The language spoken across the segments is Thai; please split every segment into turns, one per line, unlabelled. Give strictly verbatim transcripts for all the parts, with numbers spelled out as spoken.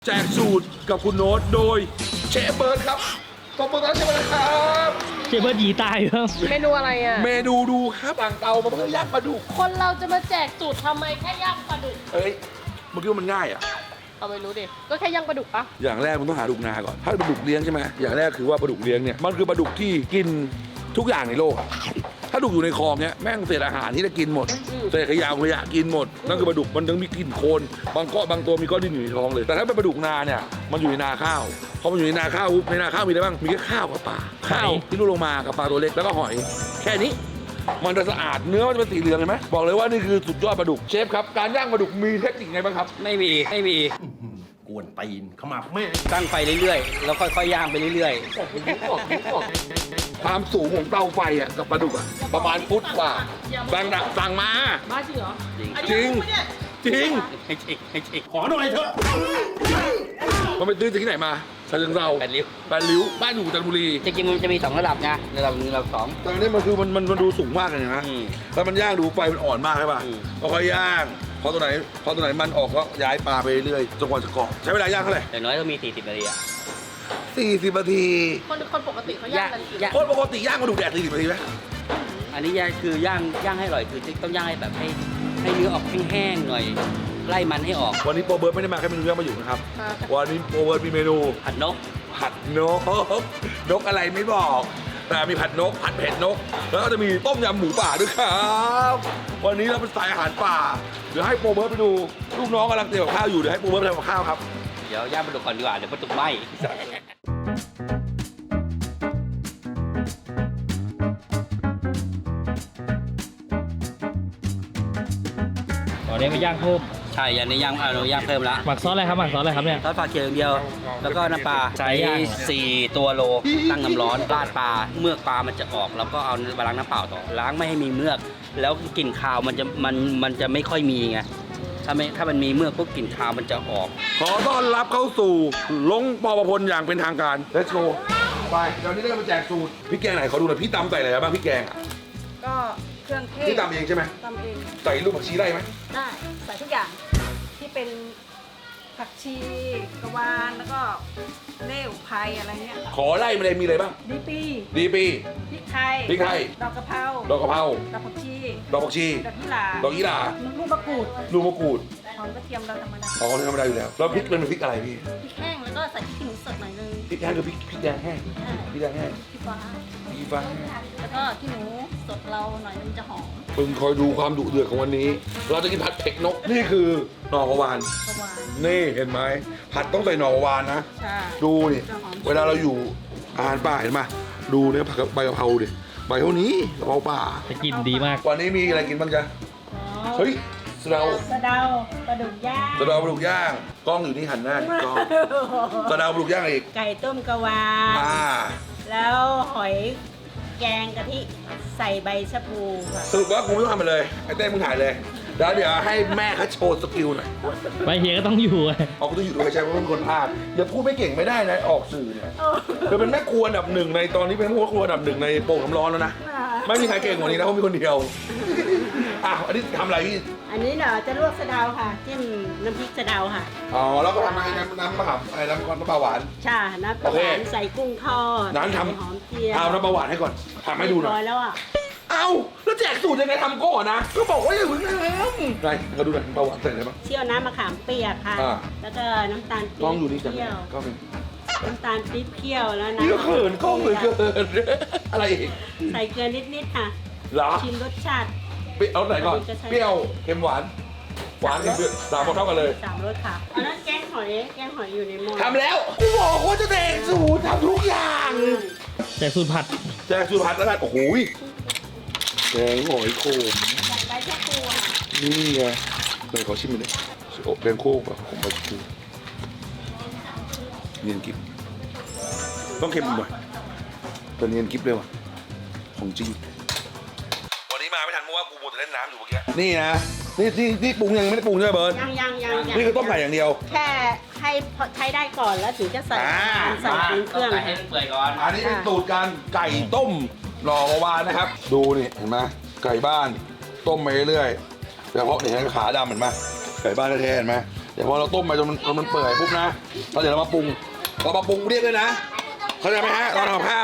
แจกสูตรกับคุณโน้ตโดยเชฟเบิร์ดครับขอบคุณครับเชฟเบิร์ดครับ
เชฟเบิร์ดหยีตายครับ
เมนูอะไรอ่ะ
เมนูดูครับต่างเตามาเพื่อย่างปลาดุก
คนเราจะมาแจกสูตรทำไมแค่ย่างปลาดุก
เอ้ยเมื่อกี้มันง่ายอ่ะ
เอาไปรู้ดิ ก็แค่ย่างปลาดุกปะ
อย่างแรกมันต้องหาปลาดุกนาก่อนถ้าปลาดุกเลี้ยงใช่ไหมอย่างแรกคือว่าปลาดุกเลี้ยงเนี่ยมันคือปลาดุกที่กินทุกอย่างในโลกอะถ้าดุกอยู่ในคลองเนี้ยแม่งเศษอาหารที่จะกินหมดเศษขยะขยะกินหมดนั่นคือปลาดุกมันยังมีกลิ่นโคลนบางก้อนบางตัวมีก้อนดินอยู่ในท้องเลยแต่ถ้าเป็นปลาดุกนาเนี่ยมันอยู่ในนาข้าวพอมันอยู่ในนาข้าวปุ๊บในนาข้าวมีอะไรบ้างมีแค่ข้าวกับปลาข้าวที่ลูกลงมากับปลาตัวเล็กแล้วก็หอยแค่นี้มันจะสะอาดเนื้อมันจะเป็นสีเหลืองเห็นไหมบอกเลยว่านี่คือสุดยอดปลาดุกเชฟครับการย่างปลาดุกมีเทคนิคไงบ้างครับ
ไม่มีไม่มี
กวนตีนขมับแม่
ตั้งไฟเรื่อยๆ แล้วค่อยๆย่างไปเรื่อย
ความสูงของเตาไฟอ่ะกับปลาดุกอ่ะประมาณฟุตกว่าบางดักสั่งมา
บ้าจริงเหรอ
จริงจริง
ๆให้ชิกให้ชิก
ขอหน่อยเถอะ
มันไปตื้อจากที่ไหนมาชาเชิงเทรา
แปดริ้ว
แปดริ้วบ้านอยู่จันทบุรี
จริงๆมันจะมีสองระดับไงระดับหนึ่งระดับสอง
แต่อันนี้มันคือมันมันมันดูสูงมากเลยนะ
อืม
แล้วมันย่างดูไฟมันอ่อนมากใช่ป่ะ
อืม
ก็ค่อยย่างพอตัวไหนพอตัวไหนมันออกก็ย้ายปลาไปเรื่อยจนกว่าจะกรอบใช้เวลาย่างเท่าไหร่
อย่างน้อยต้องมีสี่สิบนาทีอะ
สี่สิบนาที
คนคนปกติเขาย่างกันกี่
ย่าง
คนปกติย่างปลาดุกแดดสี่สิบนาทีไหม
อันนี้ย่างคือย่างย่างให้อร่อยคือต้องย่างให้แบบให้ให้เนื้อออกแห้งๆหน่อยไล่มันให้ออก
วันนี้โปรเบิร์ตไม่ได้มาแค่เมนูย่างมาอยู่นะครับ
อ่า
วันนี้โปรเบิร์ตมีเมนู
ผัดนก
ผัดนกนกอะไรไม่บอก แต่มีผัดนกผัดเผ็ดนก แล้วก็จะมีต้มยำหมูป่าด้วยครับวันนี้เราเป็นสายอาหารป่าเดี๋ยวให้โปรเบิร์ตไปดูลูกน้องกำลังเตรียมกับข้าวอยู่เดี๋ยวให้โปรเบิร์ตไปทำกับข้าวครับ
เดี๋ยวย่างปลาดุกก่อนดีกว่าเดี๋ยวปลาดุกไหม้
ตอนนี้มาย่างเพิ่ม
ใช่ยันนี้ย่างเอาเราย่างเพิ่มละ
หมักซอสอะไรครับหมักซอสอะไรครับเนี่ย
ทอดปลาเคียวอย่างเดียว แล้วก็น้ำปลา
ใช้
ใช้
ย่าง
สี่ตัวโลตั้งน้ำร้อนราดปลาเมือกปลามันจะออกแล้วก็เอามาล้างน้ำเปล่าต่อล้างไม่ให้มีเมือก แล้วกลิ่นคาวมันจะมันมันจะไม่ค่อยมีไงถ้าไม่ถ้ามันมีเมือกพวกกลิ่นคาวมันจะออก
ขอต้อนรับเข้าสู่ลงปอประพลอย่างเป็นทางการ Let's go ไปตอนนี้เรามาแจกสูตรพี่แกงไหนขอดูหน่อยพี่ตำใส่อะไรบ้างพี่แกงอะ
ก็เครื่องเทศ
พี่ตำเองใช่ไหม
ตำเอง
ใส่ลูกผักชีได้ไหม
ได้ใส่ทุกอย่างที่เป็นผักชีกระวานแล้วก็เล่วไพรอะไรเงี้ย
ขอไล่มาเลยมีอะไรบ้าง
ดีปี
ดีปี
พริกไทย
พริกไทย
ดอกกะเพรา
ดอกกะเพรา
ดอกผักชี
ดอกผักชี
ดอกยี่หร่า
ดอกยี่หร่า
ลูกมะกรูด
ลูกมะกรูด
หอมกระเทียมเราธรรมดา
อ๋อนี่ธรรมดาอยู่แล้วแล้วพริกเป็นพริกอะไรพี่
พริกแห้งแล้วก็ใส่พริกขี้หนูสดหน่อยนึง
พริกแห้งคือพริกพริกแดงแห้งพริกแดงแห้ง
พริกฟ้า
พริกฟ้า
แล้วก็ขี้หนูสดเราหน่อยนึงจะหอม
มึงคอยดูความดุเดือดของวันนี้ เราจะกินผัดเผ็ดนกนี่คือหน่อกระวาน
กระวาน
นี่เห็นไหมผัดต้องใส่หน่อกระวานนะ
ใช่
ดูนี่เวลาเราอยู่อาหารป่าเห็นไหมดูเนี่ยผักใบกะเพราดิใบเท่านี้กะเพราป่า
จะกลินดีมาก
วันนี้มีอะไรกินบ้างจ๊ะเฮ้ยสะเดา
สะเดาปลาดุกย่าง
สะเดาปลาดุกย่างกล้องอยู่ที่หันหน้าที่กล้องสะเดาปลาดุกย่างอีก
ไก่ต้มกระวาน
อ่า
แล้วหอยแกงกะทิใส่ใบชะพูค่ะ
สรุปว่ากูไม่ต้องทำอะไรเลยไอ้เต้มึงถ่ายเลยแล้วเดี๋ยวให้แม่เขาโชว์สกิลหน่อย
ไปเฮียก็ต้องอยู่อะ
เอากูต้องอยู่ด้วยใช่เพราะเป็นคนพากย์อย่าพูดไม่เก่งไม่ได้นะออกสื่อเนี่ยเธอเป็นแม่ครัวอันดับหนึ่งในตอนนี้เป็นแม่ครัวอันดับหนึ่งในโป่งน้ำร้อนแล้วนะไม่มีใครเก่งกว่านี้นะเพราะมีคนเดียวอ่ะอันนี้ทำอะไรพี่
อันนี้เดี๋ยวจะลวกสะเดาค่ะจิ้มน้ำพริกสะเดาค่ะ
อ๋อแล้วก็ทำอะไรน้ำน้ำมะขามอะไรน้ำก้อนน้ำปลาหวาน
ใช่น้ำปลา
โอ
ห
เค
วานใส่กุ้งทอด
นั้นท
ใส่หอมเจียว
ำเอาน้ำปลาหวานให้ก่อนทำให้ดูหน่
เรีบร้
อ
อย ยแล้วอ่ะ
เอาแล้วแจกสูตรยังไงทำก่อนนะก็บอกว่าอย่าเพิ่งทำไหนเขาดูหน่อยน้ำปลาหวานใส่อะไรบ้าง
เชี่ยวน้ำมะขามเปียกค่ะ
อ่า
แล้วก็น้ำตาล
กล้องอยู่นี่
เป
จัง
รี้ยว
ก็เป็น
น้ำตาลปี๊บเคี่ยวแล้วนะ
นี่ก็เขินกล้องเลยเกินอะไรอีก
ใส่เกลือนิดๆค่ะ
เหรอ
ชิมรสชาติ
เปรี้ยวเอาไหนก่อน
จะใช้
เปรี้ยวเค็มหวานหวานกับเปรี้ยวสามคนเท่ากันเลย
สามรสค่ะอันนั้นแกงหอยแกงหอยอยู่ในหม้อ
ทำแล้วกูบอกว่าจะแจกสูตรทำทุกอย่าง
แต่สูตรผัด
แจกสูตรผัดแล้วกันโอ้โหแกงหอยโขม
ใส่ใบชะพูค่ะ
นี่ไงเลยขอชิมหน่อยดิโอ้แกงโคกแบบของใบชะพูเนียนกิบต้องเค็มหน่อยแต่เนียนกิบเลยว่ะของจริงวันนี้มาไม่ทันเพราะว่ากูมัวแต่เล่นน้ำอยู่เมื่อกี้นี่นะนี่ที่ที่ปรุงยังไม่ได้ปรุงใช่ไหมเบิร์ด
ยังยังยังยัง
นี่คือต้มไก่อย่างเดียว
แค่ให้พอใช้ได้ก่อนแล้วถึงจะใส่
อ่า
ใส่เครื่อง
ต้
ค่ะ
ให้มันเปื่อยก่อน
อันนี้เป็นสูตรการไก่ต้มหน่อกระวานนะครับ ดูนี่เห็นไหมไก่บ้านต้มไปเรื่อยๆเฉพาะเนี่ยขาดำเห็นไหมไก่บ้านแท้ๆเห็นไหมแต่พอเราต้มไปจนมันจนมันเปื่อยปุ๊บนะเราเดี๋ยวเรามาปรุงเรามาปรุงเรียกเลยนะเข้าใจไหมฮะเราทำกับข้าว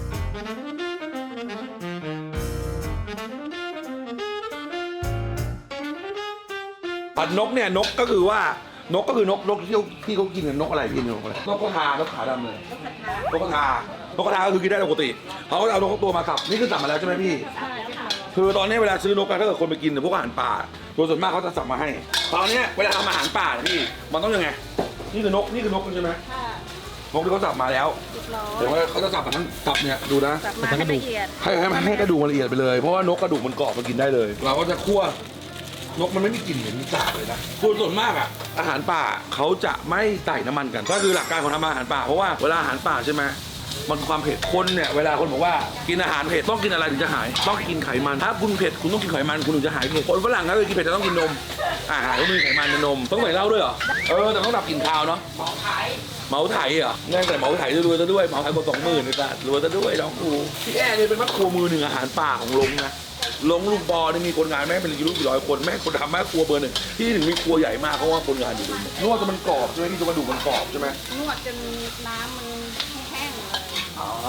ผัดนกเนี่ยนกก็คือว่านกก็คือนกนกที่เขาที่เขากินกันนกอะไรกินนกอะไรนกกระทานกขาดำเลยนกกระทานกกระทาก็คือกินได้ปกติเขาก็เอานกตัวมาสับนี่คือสับมาแล้วใช่ไหมพี่
ใช่ค่ะ
คือตอนนี้เวลาซื้อนกอะถ้าเกิดคนไปกินพวกอาหารป่าโดยส่วนมากเขาจะสั่งมาให้ ตอนนี้เวลาทำอาหารป่าเนี่ยพี่มันต้องยังไงนี่คือนกนี่คือนกใช่ไหม
ค่ะ
นกที่เขาสับมาแล้ว
เรียบร้อย
แต่ว่าเขาจะสับมาทั้งสับเนี่ยดูนะ
สับมาให้ละเอียด
ให้ให้ให้กระดูกมันละเอียดไปเลยเพราะว่านกกระดูกมันกรอบมันกินได้เลย เราก็จะคั่วนกมันไม่มีกลิ่นเหม็นสาบเลยนะส่วนส่วนมากอะอาหารป่าเขาจะไม่ใส่น้ำมันกันก็คือหลักการของทำอาหารป่าเพราะว่าเวลาอาหารป่าใช่ไหมมันความเผ็ดคนเนี่ยเวลาคนบอกว่ากินอาหารเผ็ดต้องกินอะไรถึงจะหายต้องกินไขมันถ้าคุณเผ็ดคุณต้องกินไขมันคุณถึงจะหายเผ็ดคนฝรั่งถ้าเคยกินเผ็ดจะต้องกินนมอาหารก็มีไขมันในนมต้องใส่เหล้าด้วยเหรอเออแต่ต้องดับกลิ่นคาวเนาะเหมาไถเหมาไถเหรอแน่แต่เหมาไถจะรวยซะด้วยเหมาไถกว่าสองหมื่นเลยจ้ะรวยซะด้วยน้องครูพี่แอ่เนี่ยเป็นแม่ครัวมือหนึ่งอาหารป่าของลงนะลงลูกบอนี่มีคนงานแม่เป็นกี่ลูกกี่ร้อยคนแม่คนทำแม่ครัวเบอร์หนึ่งที่ถึงมีครัวใหญ่มากเพราะว่าคนงานอยู่ตรงนี้นวดจนมันกรอบใช่ไหมที่จนกระดูกมันกรอบใช่ไหม
นวดจนน้ำมันแห้งๆเลย
อ๋อ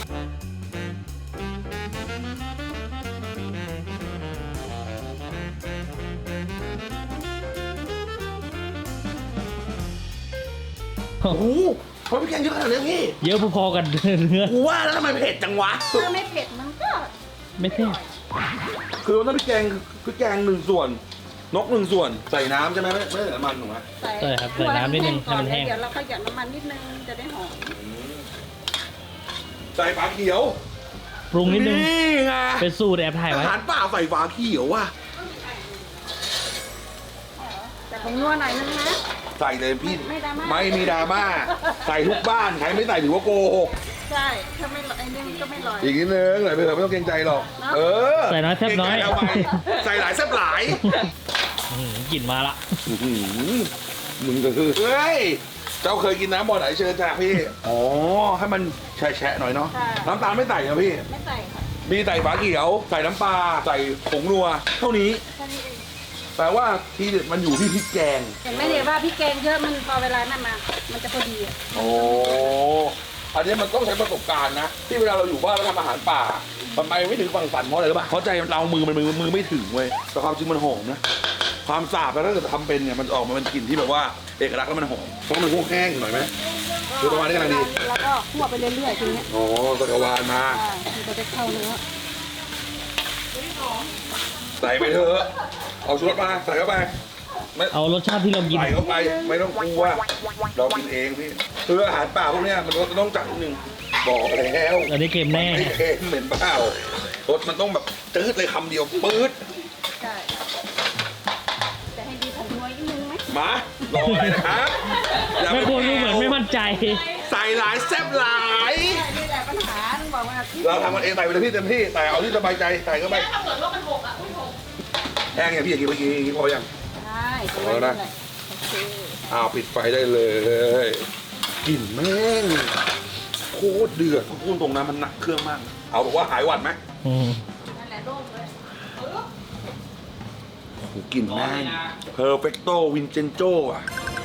โอ้โหเพราะพี่แกงเยอะขนาดนี้พี่
เยอะพอๆกันเนื้อ
กูว่าแล้วทำไมเผ็ดจังวะ
ถ้าไม่เผ็ดมันก็
ไม่เท่
คือถ้าพี่แกงพี่แกงหนึ่งส่วน นกหนึ่งส่วนใส่น้ำใช่ไหมไม่ไม่ใส่น้ำมันถูกไหม
ใส่
ใช่ครับใส่น้ำนิดนึงให้มันแห้ง
เดี๋ยวเราก็หยอดน้ำมันนิดนึงจะได้หอม
ใส่ฝาเขียว
ปรุงนิดนึง
นี่ไง
เป็นสูตรแอบถ่าย
อา
ไว้
หารป่าใส่ฝาเขียวว่ะ
แต่ผมนัวหน่อยนึงนะ
ใส่เลยพี่
ไม่ดราม่า
ไม่มีดราม่าใส่ทุกบ้านใครไม่ใส่ถือว่าโกหก
ใช่ถ้าไม่ไอ้นี่มันก็ไม่ลอย
อีกนิดนึงหน่อยไปเถอะไม่ต้องเกรงใจหรอก
เนอะ
เออ
ใส่น้อยแซ่บน้อย
เกรงใจเอาไปใส่หลายแซ่บหลาย
อื้อหือกลิ่นมาละ
อื้อหือมึงก็คือเฮ้ยเจ้าเคยกินน้ำบ่อไหนเชิญจ้าพี่อ๋อให้มันแฉะๆหน่อยเนาะน้ำตาลไม่ใส่นะพี่
ไม่ใส่ค่ะ
มีใส่ฝาเขียวใส่น้ำปลาใส่ผงนัวเท่านี้
แค่นี้เอง
แปลว่าทีเด็ดมันอยู่ที่พริกแกง
เห็นไหมเนี่ยว่าพี่แกงเยอะมันพอเวลานั่นมา มันจะพอดีอะ
โอ้อันนี้มันต้องใช้ประสบการณ์นะ ที่เวลาเราอยู่บ้านเราทำอาหารป่ามันไปไม่ถึงฝั่งฝันเพราะอะไรรู้ป่ะเพราะใจเรามือมันมือมือไม่ถึงเว้ยแต่ความจริงมันหอมนะความสาบแล้วถ้าเกิดทำเป็นเนี่ยมันออกมาเป็นกลิ่นที่แบบว่าเอกลักษณ์แล้วมันหอมเพราะมันพวกแห้งหน่อยไหมคือประมาณนี้กำลังดี
แล้วก็คั่วไปเรื่อยๆทีเนี้ย
อ๋อตะกวานมา
อ่ามันจะได้เข้าเนื้อ
ใส่ไปเถอะเอาชูรสมาใส่เข้าไปไม่
เอารสชาติที่เรากิน
ใส่เข้าไปไม่ต้องกลัวเรากินเองพี่คืออาหารป่าพวกเนี้ยมันก็ต้องจัดนิดนึงบอกแล้ว
อันนี้เค็มแน่
ไม่เค็มเหม็นเปล่ารสมันต้องแบบจืดเลยคำเดียวปื๊ด
ใช่จะให้ดีผงนัวนิดนึงไหม
มารออะไรนะครับอย่า
แม่
ไป
ครัวดูเหมือนไม่มั่นใจ
ใส่หลายแซ่บหลาย
นี่แหละปัญหาต้องบอกว่าที่
เราทำกันเองใส่ไปเลยพี่เต็มที่แต่เอาที่สบายใจใส่เข้าไป
ถ้าเกิดว่ามันหกอ่ะไม่หก
แห้งอย่างพี่อย่างกี้เมื่อกี้อย่างกี้พอยัง
ได้ประมาณนั้นแหละโอเค
อ้าวปิดไฟได้เลยกลิ่นแม่งโคตรเดือดพูดตรงนะมันหนักเครื่องมาก เอาบอกว่าหายหวัดไหม
อืม
นั่นแหละโล่งเลย
โอ้โหกลิ่นแม่ง perfecto vincenzo อ่ะ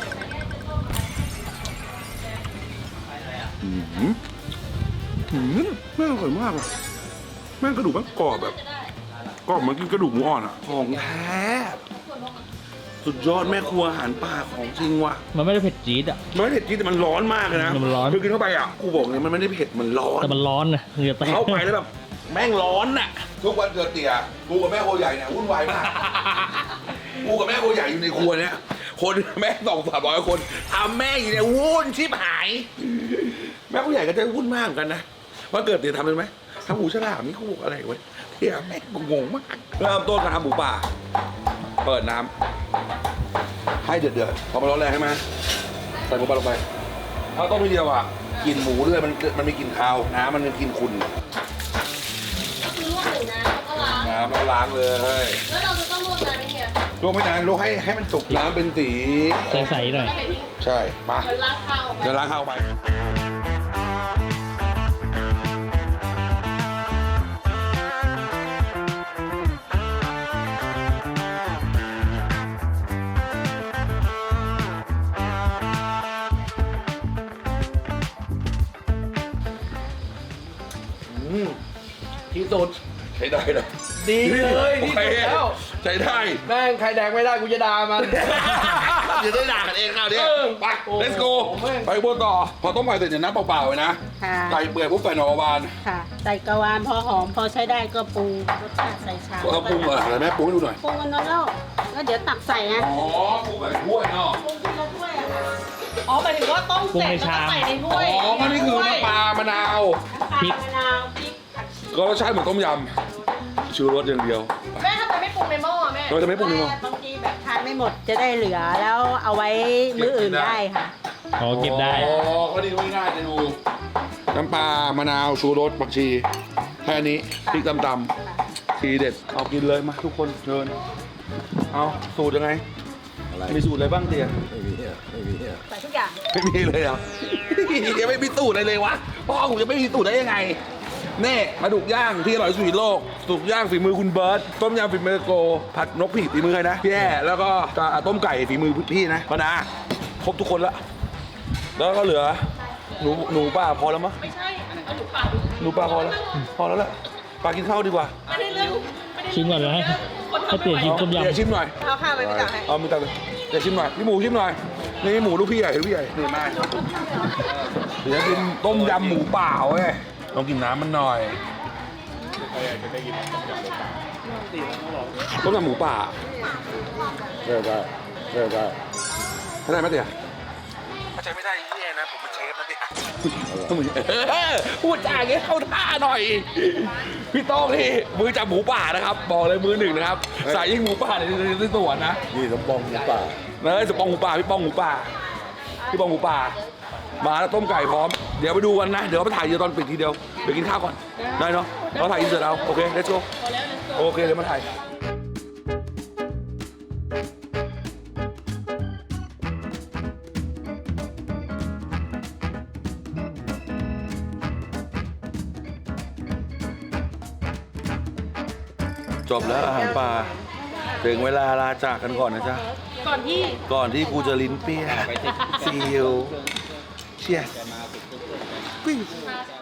อืมอืมแม่งอร่อยมากอ่ะแม่งกระดูกแม่งกรอบแบบกรอบเหมือนกินกระดูกหมูอ่อนอ่ะของแท้สุดยอดแม่ครัวอาหารป่าของจริงว่ะ
มันไม่ได้เผ็ดจี๊ดอ่ะ
มันไม่เผ็ดจริงแต่มันร้อนมากเลยนะ
มันร้อน
คือกินเข้าไปอ่ะกูบอกเลยมันไม่ได้เผ็ดมันร้อน
แต่มันร้อนนะเหงื่อแตก
เข้าไปแล้วแบบแม่งร้อนน่ะทุกวันเกิดเตี่ยกูกับแม่โคใหญ่เนี่ยวุ่นวายมากกูกับแม่โคใหญ่อยู่ในครัวเนี่ยคนแม่สองสามร้อยคนทำแม่อยู่เนี่ยวุ่นชิบหาย แม่โคใหญ่ก็จะวุ่นมากเหมือนกันนะวันเกิดเตี่ยทำเป็นไหมทำหมูฉลามนี่กูบอกอะไรวะเตี่ยแม่งงงมากเริ่มต้นการทำหมูป่าเปิดน้ำให้เดือดๆพอมันร้อนแรงใช่ไหมใส่หมูป่าลงไปถ้าต้มทีเดียวอ่ะกลิ่นหมูด้วยมันมันมีกลิ่นคาวน้ำมันมีกลิ่นขุ่น
ก็คือลวกหนึ่งน้ำแล้วก็ล้าง
น้ำเราล้างเลย
แล้วเราจะต้องลวกนานไหมเนี่ย
ลวกไม่นานลวกให้ให้มันสุกน้ำเป็นสี
ใสๆหน่อย
แล้วไปทิ้ง
ใช่มา
เดี๋ยวล้างข้าวออกไป
เดี๋ยวล้างข้าวไปอืมที่สุดใช้ได้เลย
ดีเลยที่
โอ
สุด
เค
แล้ว
ใช้ได้
แม่งใครแดกไม่ได้กูจะด่ามัน
เดี๋ยวได้ด่ากันเองคราวเนี้ย
เออ
ไป
โอ้
let's go
แม่ง
ไปบนต่อ พอต้มไก่เสร็จเนี่ยน้ำเปล่าๆเลยนะ
ค่ะ
ไก่เปื่อยปุ๊บใส่หน่อกระวาน
ค่ะ ใส่กระวานพอหอมพอใช้ได้ก็ปรุงรสชาติใส่ชาม
ก็ปรุงเหรออะไรแม่ปรุงให้ดูหน่อย
ปรุงกันนั้นแล้วแล้วเดี๋ยวตักใส่ไง
อ๋อปรุงแบบถ้วยเนาะ
ปรุงที่เราถ้วยอะค่ะ
อ๋อหมายถึงว่าต้มเสร็จแล้วก็ใส่ในถ้
อ๋
วย
อก็นี่คือน้ำปลามะนาว
น้ำปลามะนาวพริกผักชี
ก็รสชาติเหมือนต้มยำชูรสอย่างเดียว
แม่ทำไมไม่ปรุงในหม้อแม่
เราจะไม่ปรุงเลยมั้ง
บางทีแบบทานไม่หมดจะได้เหลือแล้วเอาไว้มื้ออื่นได้ค่ะ
อ๋อเก็บได้
อ๋อก็ดีง่ายๆจะดูน้ำปลามะนาวชูรสผักชีแค่นี้พริกตำๆทีเด็ดเอากินเลยมาทุกคนเชิญเอาสูตรยังไงมีสูตรอะไรบ้างเตีย
ใส่ทุกอย่าง
ไม่มีเลยเหรอ ยังไม่มีสูตรอะไรเลยวะพ่อผมจะไม่มีสูตรได้ยังไงเน่ปลาดุกย่างที่อร่อยที่สุดในโลกปลาดุกย่างฝีมือคุณเบิร์ตต้มยำฝีมือโกผัดนกผีฝีมือใครนะพี่แย่แล้วก็ต้มไก่ฝีมือพี่นะปานาครบทุกคนละแล้วก็เหลือหนูหนูป้าพอแล้วมั้ง
ไม่ใช่อันนั้นเอาหนูปาด
หนูป้าพอแล้วพอแล้วแหละป้ากินข้าวดีกว่า
ไม่ได้เรื่องไม่ได้
ชิมก่อนเลยให้ให้เปลี่ยนชิมต้มยำ
เดี๋ยวชิมหน่อย
เอาข้าวไปไปตักให้
เอามีตักเลยเดี๋ยวชิมหน่อยพี่หมูชิมหน่อยนี่หมูลูกพี่ใหญ่ลูกพี่ใหญ่นี่มาเดี๋ยวกินต้มยำหมูเปล่าเว้ยต้องกินน้ำมันหน่อยต้มยำหมูป่าเออได้เออได้เข้าใจไหมเตี๋ยเข้าใจไม่ได้ยี่เองนะผมเป็นเชฟนะเตี๋ยพูดจาอย่างงี้เข้าท่าหน่อยพี่โต้งนี่มือจับหมูป่านะครับบอกเลยมือหนึ่งนะครับสายยิงหมูป่าในในสวนนะ
นี่สมปองหมูป่า
เนยสปองหมูป่าพี่ป้องหมูป่าพี่ป้องหมูป่ามาแล้วต้มไก่พร้อมเดี๋ยวไปดูกันนะเดี๋ยวไปถ่ายเดี๋ยวตอนปิดทีเดียวเดี๋ยวกินข้าวก่อนได้เนาะเราถ่ายอินเสิร์ตเอาโอเค let's go โอเคเดี๋ยวมาถ่ายจบแล้วอาหารป่าถึงเวลาลาจากกันก่อนนะจ๊ะ
ก่อนที่
ก่อนที่กูจะลิ้นเปี้ยซีลเชียร์